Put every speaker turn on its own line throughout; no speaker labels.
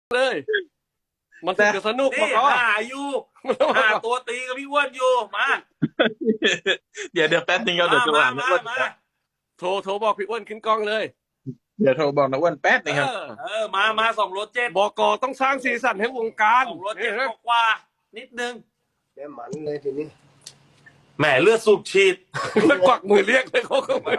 เลยมันถึงจะสนุก
นี่
ก็
หาอยู่หาตัวตีกับพี่อ้วนอยู่มา
เดี๋ยวแป๊บนึงครับเดี๋ยวโทร
มา
หาน้าอ้วน
มา
โทรบอกพี่อ้วนขึ้นกล้องเลย
เดี๋ยวโทรบอกน้าอ้วนแป๊บนึงครับ
มาสองรถเจ็ด
บกต้องสร้างสีสันให้วงการ
สองรถเจ็ดกว่านิดนึง
แม่มันเลยทีนี้
แหมเลือดสูบฉีด
แล้วกวักมือเรียกเลยเขาก็มา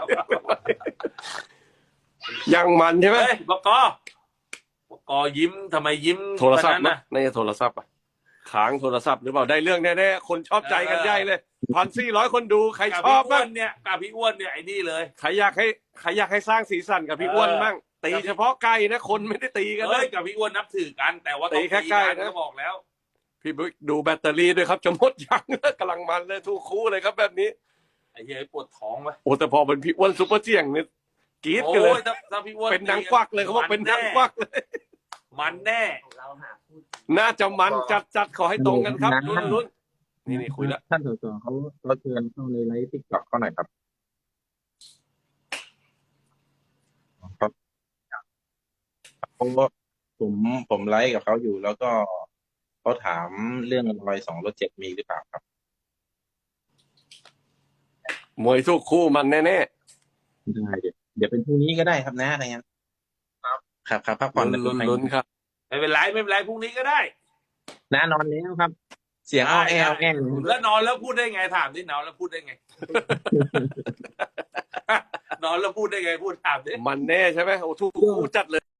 ยังมันใช่ไหม
เฮ้ยบกยิ้มทำไมยิ้ม
โทรศัพท์
นะ
นะในโทรศัพท์อ่ะค้างโทรศัพท์หรือเปล่าได้เรื่องแน่ๆคนชอบใจกันใหญ่เลย1,400 คนดูใคร
กับ
ชอบ
พี่อ้ว
บ้าง
นเนี่ยกับพี่อ้วนเนี่ยไอ้นี่เลย
ใครอยากให้สร้างสีสันกับพี่อ้วนบ้างตีเฉพาะไก่นะคนไม่ได้ตีกัน
เฮ้
เลย ย
กับพี่อ้วนนับถือกัน แต่ว่าต้อง
ตีแค่ใกล้นะ
ก็บอกแล้ว
พี่บิ๊กดูแบตเตอรี่ด้วยครับจะหมดยังกำลังมันเลยทุกคู่เลยครับแบบนี้
ไอ้เหี้ยปวดท้องวะ
โอ้แต่พอเป็นพี่อ้วนซุปเปอร์เจียงเนี่ยกรี๊ด
โอ้
กันเลย
ยถ้าพี่อ้วน
เป็นนางกวักเลยเขาบอกเป็นนางกวักเลย
มันแน่
เราหาพูด
น่าจะมันจัดขอให้ตรงกันครับลุ้นนี่คุยแล้ว
ท่านสสเขาเชิญเข้าในไลฟ์ติ๊กต็อกเขาหน่อยครับครับเพราะว่าผมไลฟ์กับเขาอยู่ แล้วก็เขาถามเรื่องรอย2 รถ 7มีหรือเปล่าครับ
มวยทุกคู่มันแน่
ได้เดี๋ยวเป็นพรุ่งนี้ก็ได้ครับนะอะไรเงี้ยครับพัก
ๆ
ผ่อน
ลุ้นครับ
ไม่เป็นไรพรุ่งนี้ก็ได้
นะนอนแล้วครับ เสียงอ้อแอวแง่
แล้วนอนแล้วพูดได้ไงถามดินอนแล้วพูดได้ไง นอนแล้วพูดได้ไงพูดถามดิ
มันแน่ใช่ไหมโอ้ทุกคู่จัดเลย